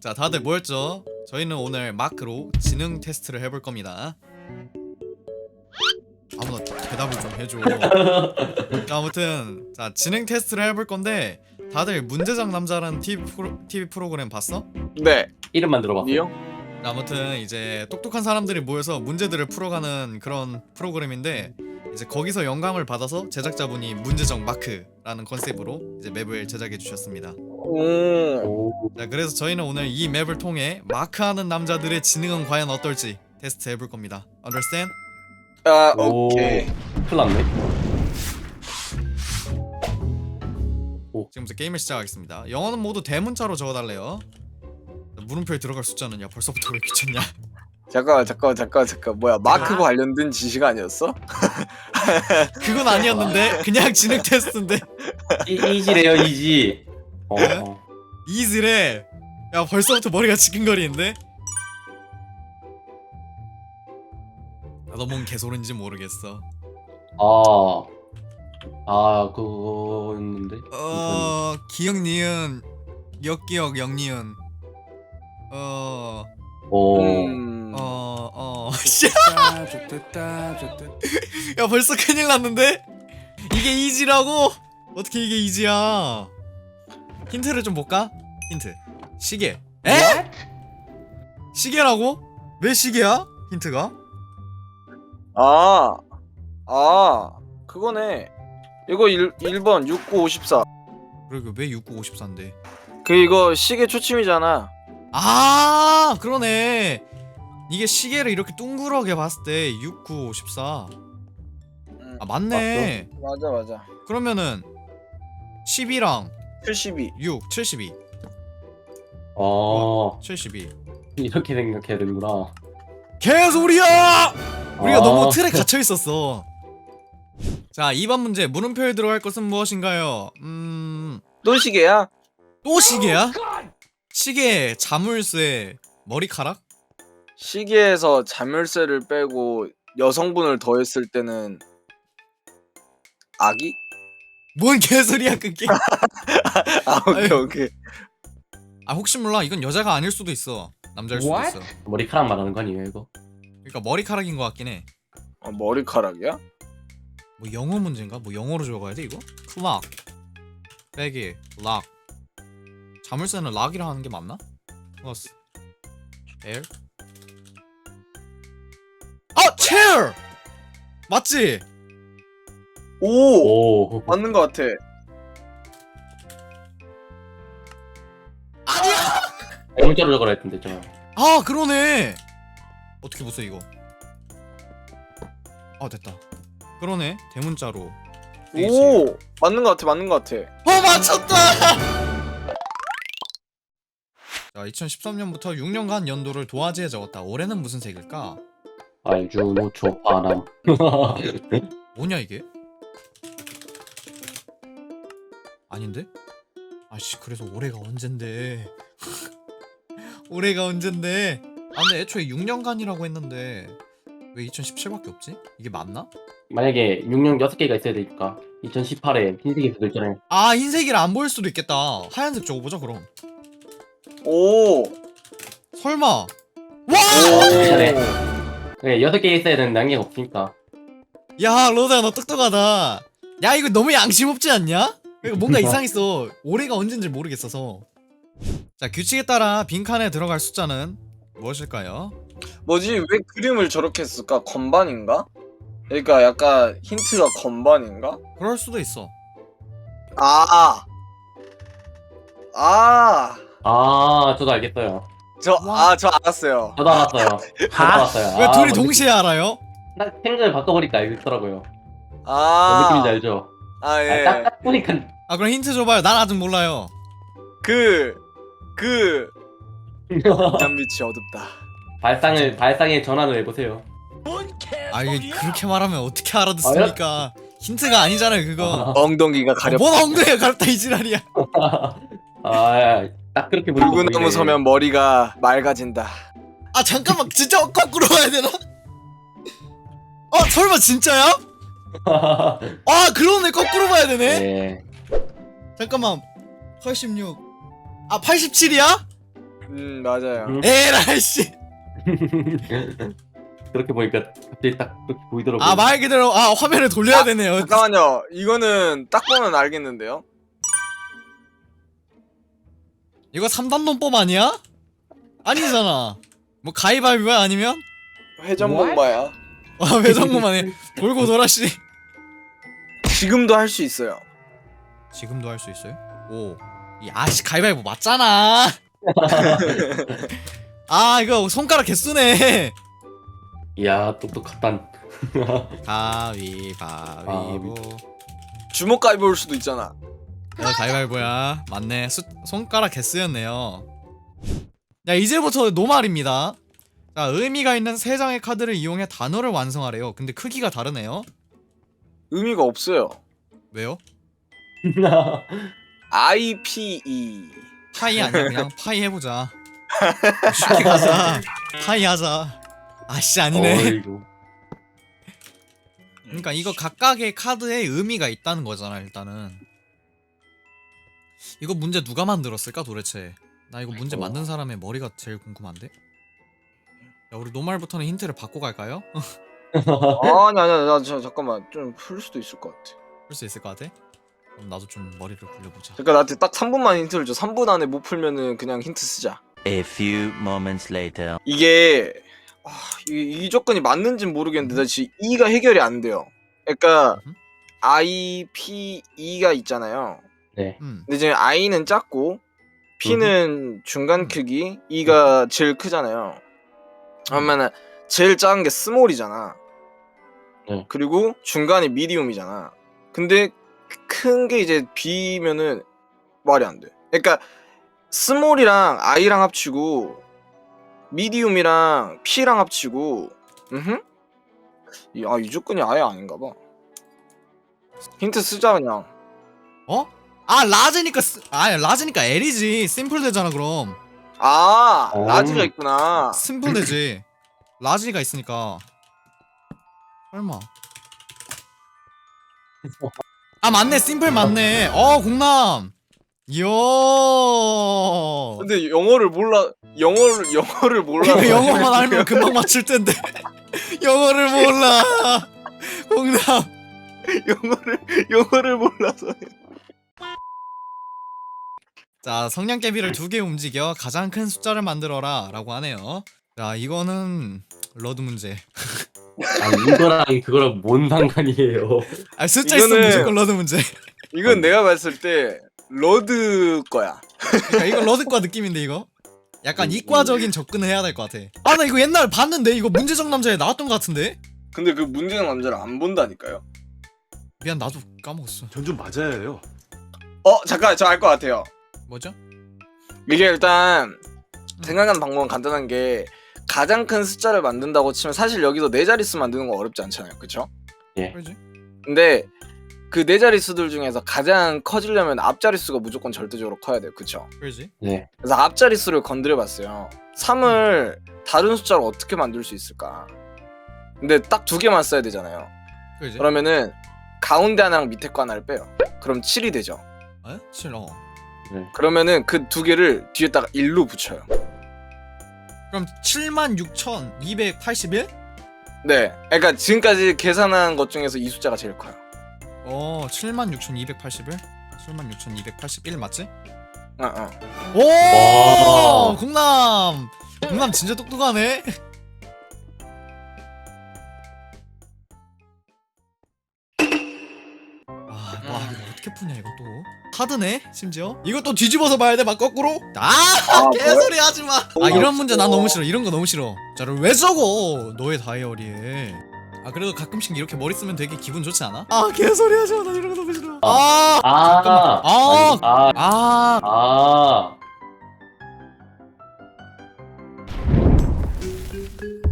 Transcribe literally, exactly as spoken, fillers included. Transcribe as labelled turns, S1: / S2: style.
S1: 자, 다들 모였죠? 저희는 오늘 마크로 지능 테스트를 해볼 겁니다. 아무나 대답을 좀 해줘. 자, 아무튼 자 지능 테스트를 해볼 건데 다들 문제작 남자라는 티비, 프로, 티비 프로그램 봤어?
S2: 네.
S3: 이름만 들어봤어요.
S2: 니요?
S1: 자, 아무튼 이제 똑똑한 사람들이 모여서 문제들을 풀어가는 그런 프로그램인데 이제 거기서 영감을 받아서 제작자분이 문제적 마크라는 컨셉으로 이제 맵을 제작해 주셨습니다.
S2: 오.
S3: 오.
S1: 자, 그래서 저희는 오늘 이 맵을 통해 마크하는 남자들의 지능은 과연 어떨지 테스트 해볼 겁니다. Understand?
S2: 아,
S3: 오.
S2: 오케이.
S3: 큰일 났네.
S1: 지금부터 게임을 시작하겠습니다. 영어는 모두 대문자로 적어달래요. 자, 물음표에 들어갈 숫자는 야 벌써부터 왜 미쳤냐?
S2: 잠깐만, 잠깐만, 잠깐만, 잠깐. 뭐야? 마크 관련된 지식 아니었어?
S1: 그건 아니었는데 그냥 지능 테스트인데
S3: 이, 이지래요 이지. 어.
S1: 네? 이즈래. 야 벌써부터 머리가 지끈거리는데? 나도 뭔 개소리인지 모르겠어.
S3: 아. 아 그거였는데.
S1: 어... 기억 니은 역기억 영니은 어...
S3: 오.
S2: 음.
S1: 어... 어... 야 벌써 큰일 났는데? 이게 이지라고? 어떻게 이게 이지야? 힌트를 좀 볼까? 힌트 시계. 에? 시계라고? 왜 시계야? 힌트가?
S2: 아. 아. 그거네. 이거 일, 일 번 육구오십사.
S1: 그리고 왜 육구오십사인데?
S2: 그 이거 시계 초침이잖아.
S1: 아 그러네. 이게 시계를 이렇게 둥그렇게 봤을 때 육구오십사.
S2: 음.
S1: 아 맞네.
S2: 맞아, 맞아.
S1: 그러면은 십이랑
S2: 칠십이.
S1: 육, 칠십이.
S3: 어.
S1: 칠십이.
S3: 이렇게 생각해야 되는구나.
S1: 개소리야! 우리가
S3: 아.
S1: 너무 틀에 갇혀 있었어. 자, 이 번 문제. 물음표에 들어갈 것은 무엇인가요? 음...
S2: 또 시계야?
S1: 또 시계야? 시계, 자물쇠, 머리카락?
S2: 시계에서 자물쇠를 빼고 여성분을 더했을 때는 아기?
S1: 뭔 개소리야 그게.
S2: 아, 오케이,
S1: 아유.
S2: 오케이.
S1: 아 혹시 몰라, 이건 여자가 아닐 수도 있어. 남자일 수도
S3: What?
S1: 있어.
S3: 머리카락 말하는 거 아니에요 이거?
S1: 그러니까 머리카락인 것 같긴 해.
S2: 어, 머리카락이야?
S1: 뭐 영어 문제인가? 뭐 영어로 적어야 돼 이거? 클락, 빼기, 락. 자물쇠는 락이라 하는 게 맞나? 플러스 에어? 아! 체어! 맞지?
S2: 오!
S3: 오.
S2: 맞는 것 같아.
S1: 아니야!
S3: 대문자로 적으라 했던데 저.
S1: 아 그러네. 어떻게 보세요 이거. 아 됐다. 그러네. 대문자로.
S2: 오! 맞는 것 같아, 맞는 것 같아.
S1: 어 맞췄다! 자, 이천십삼 년부터 육 년간 연도를 도화지에 적었다. 올해는 무슨 색일까?
S3: 알주노초 바람.
S1: 뭐냐 이게? 아닌데? 아씨 그래서 올해가 언젠데. 올해가 언젠데. 아 근데 애초에 육 년간이라고 했는데 왜 이천십칠밖에 없지? 이게 맞나?
S3: 만약에 육 년 여섯 개가 있어야 되니까 이천십팔에 흰색이 수도 있잖아요.
S1: 아 흰색이라 안 보일 수도 있겠다. 하얀색 적어보자 그럼.
S2: 오!
S1: 설마. 와!
S3: 괜찮네. 네, 여섯 개 있어야 되는 난계가 없으니까.
S1: 야 로드야 너 똑똑하다. 야 이거 너무 양심 없지 않냐? 이거 뭔가 이상했어. 올해가 언젠지 모르겠어서. 자, 규칙에 따라 빈칸에 들어갈 숫자는 무엇일까요?
S2: 뭐지? 왜 그림을 저렇게 했을까? 건반인가? 그러니까 약간 힌트가 건반인가?
S1: 그럴 수도 있어.
S2: 아! 아!
S3: 아, 저도 알겠어요.
S2: 저,
S1: 와.
S2: 아, 저 알았어요.
S3: 저도 알았어요. 저도 알았어요.
S1: 왜
S3: 아,
S1: 둘이
S3: 뭔
S1: 동시에 알아요?
S3: 느낌- 딱 생각을 바꿔보니까 알겠더라고요. 뭔
S2: 아.
S3: 느낌인지 알죠?
S2: 아,
S3: 아,
S2: 예.
S3: 딱, 딱 보니까
S1: 아 그럼 힌트 줘봐요. 난 아직 몰라요.
S2: 그, 그, 난 밑이 어둡다.
S3: 발상을 발상의 전환을 해보세요.
S1: 아 이게 그렇게 말하면 어떻게 알아듣습니까? 힌트가 아니잖아요 그거.
S2: 엉덩이가 가렵다.
S1: 뭔 엉덩이가 가렵다 이 지랄이야.
S3: 아, 딱 그렇게 보니까
S2: 붉은 나무
S3: 보이네.
S2: 서면 머리가 맑아진다.
S1: 아 잠깐만 진짜 거꾸로 봐야 되나? 아 설마 진짜야? 아 그러네 거꾸로 봐야 되네.
S3: 네.
S1: 잠깐만 팔십육. 아 팔십칠이야?
S2: 음 맞아요.
S3: 음.
S1: 에라이 씨.
S3: 그렇게 보니까 갑자기 딱 그렇게 보이더라고요.
S1: 아 말 그대로 아 화면을 돌려야
S2: 아,
S1: 되네요.
S2: 잠깐만요. 이거는 딱 보면 알겠는데요.
S1: 이거 삼 단 논법 아니야? 아니잖아. 뭐 가위바위보야 아니면?
S2: 회전목마야.
S1: 아 회전목만 해. 돌고 돌아 씨.
S2: 지금도 할 수 있어요.
S1: 지금도 할 수 있어요? 오. 이 아씨 가위바위보 맞잖아. 아 이거 손가락 개쓰네.
S3: 이야 똑똑하단.
S1: 가위바위보.
S2: 주먹 가위볼 수도 있잖아.
S1: 어, 가위바위보야. 맞네. 수, 손가락 개쓰였네요. 자 이제부터 노말입니다. 자 의미가 있는 세 장의 카드를 이용해 단어를 완성하래요. 근데 크기가 다르네요.
S2: 의미가 없어요.
S1: 왜요?
S2: 아이 피 이.
S1: 파이 아니야 그냥 파이 해보자. 쉽게 가자. 파이 하자. 아씨 아니네.
S3: 어이구.
S1: 그러니까 이거 각각의 카드에 의미가 있다는 거잖아 일단은. 이거 문제 누가 만들었을까 도대체? 나 이거 문제
S3: 어.
S1: 만든 사람의 머리가 제일 궁금한데? 야 우리 노말부터는 힌트를 받고 갈까요?
S2: 아니 아니 나 저, 잠깐만 좀 풀 수도 있을 것 같아.
S1: 풀 수 있을 것 같아? 그럼 나도 좀 머리를 굴려보자.
S2: 그러니까 나한테 딱 삼 분만 힌트를 줘. 삼 분 안에 못 풀면은 그냥 힌트 쓰자.
S4: A few moments later.
S2: 이게 아, 이, 이 조건이 맞는지는 모르겠는데 나 지금 E가 해결이 안 돼요. 그러니까
S1: 음?
S2: I, P, E가 있잖아요.
S3: 네.
S1: 음.
S2: 근데 지금 I는 작고 P는 중간
S1: 음.
S2: 크기, E가 제일 크잖아요. 그러면은 제일 작은 게 스몰이잖아.
S3: 네.
S2: 그리고 중간이 미디움이잖아. 근데 큰 게 이제 B면은 말이 안 돼. 그러니까 스몰이랑 I랑 합치고 미디움이랑 P랑 합치고 음흠? 이, 아, 이 조건이 아예 아닌가 봐. 힌트 쓰자 그냥.
S1: 어? 아 라즈니까 쓰... 아 라즈니까 L이지. 심플 되잖아 그럼.
S2: 아,
S3: 어.
S2: 라지가 있구나.
S1: 심플 되지. 라지가 있으니까. 설마. 아 맞네 심플 맞네. 어 공남. 이야.
S2: 근데 영어를 몰라. 영어를 영어를 몰라.
S1: 이거 영어만 알면 금방 맞출 텐데. 영어를 몰라. 공남.
S2: 영어를 영어를 몰라서.
S1: 자 성냥개비를 두 개 움직여 가장 큰 숫자를 만들어라 라고 하네요. 자 이거는 러드 문제.
S3: 아니 이거랑 그거랑 뭔 상관이에요?
S1: 아 숫자 있으면
S2: 이거는-
S1: 무조건 러드 문제.
S2: 이건 내가 봤을 때 러드 거야.
S1: 그러니까 이거 러드과 느낌인데 이거? 약간 이과적인 접근을 해야 될 것 같아. 아 나 이거 옛날 봤는데 이거 문제적 남자에 나왔던 것 같은데?
S2: 근데 그 문제는 남자를 안 본다니까요.
S1: 미안 나도 까먹었어.
S5: 전 좀 맞아야 해요.
S2: 어 잠깐 저 알 것 같아요.
S1: 뭐죠?
S2: 이게 일단 생각하는 방법은 간단한 게 가장 큰 숫자를 만든다고 치면 사실 여기서 네 자릿수 만드는 거 어렵지 않잖아요, 그쵸?
S1: 그러지?
S2: 근데 그 네 자릿수들 중에서 가장 커지려면 앞자릿수가 무조건 절대적으로 커야 돼요, 그쵸?
S1: 그러지?
S3: 네.
S2: 그래서 앞자릿수를 건드려봤어요. 삼을 다른 숫자로 어떻게 만들 수 있을까? 근데 딱 두 개만 써야 되잖아요.
S1: 그러지?
S2: 그러면은 가운데 하나랑 밑에 거 하나를 빼요. 그럼 칠이 되죠.
S1: 에? 칠 어.
S3: 네.
S2: 그러면은 그 두 개를 뒤에다가 일로 붙여요.
S1: 그럼 칠만 육천이백팔십일?
S2: 네, 그러니까 지금까지 계산한 것 중에서 이 숫자가 제일 커요.
S1: 어 칠만 육천이백팔십일? 칠만 육천이백팔십일 맞지?
S2: 어, 어.
S1: 오!
S3: 와.
S1: 공남! 공남 진짜 똑똑하네? 아, 와 이거 어떻게 푸냐 이거 또 카드네 심지어 이거 또 뒤집어서 봐야 돼 막 거꾸로? 아
S2: 아,
S1: 개소리 하지마 아 이런 문제 난
S2: 어려워.
S1: 너무 싫어 이런 거 너무 싫어 자를 왜 적어 너의 다이어리에 아 그래도 가끔씩 이렇게 머리 쓰면 되게 기분 좋지 않아? 아 개소리 하지마 난 이런 거 너무 싫어 아!
S3: 아,
S1: 잠깐만. 아.
S3: 아니, 아,
S1: 아!
S3: 아,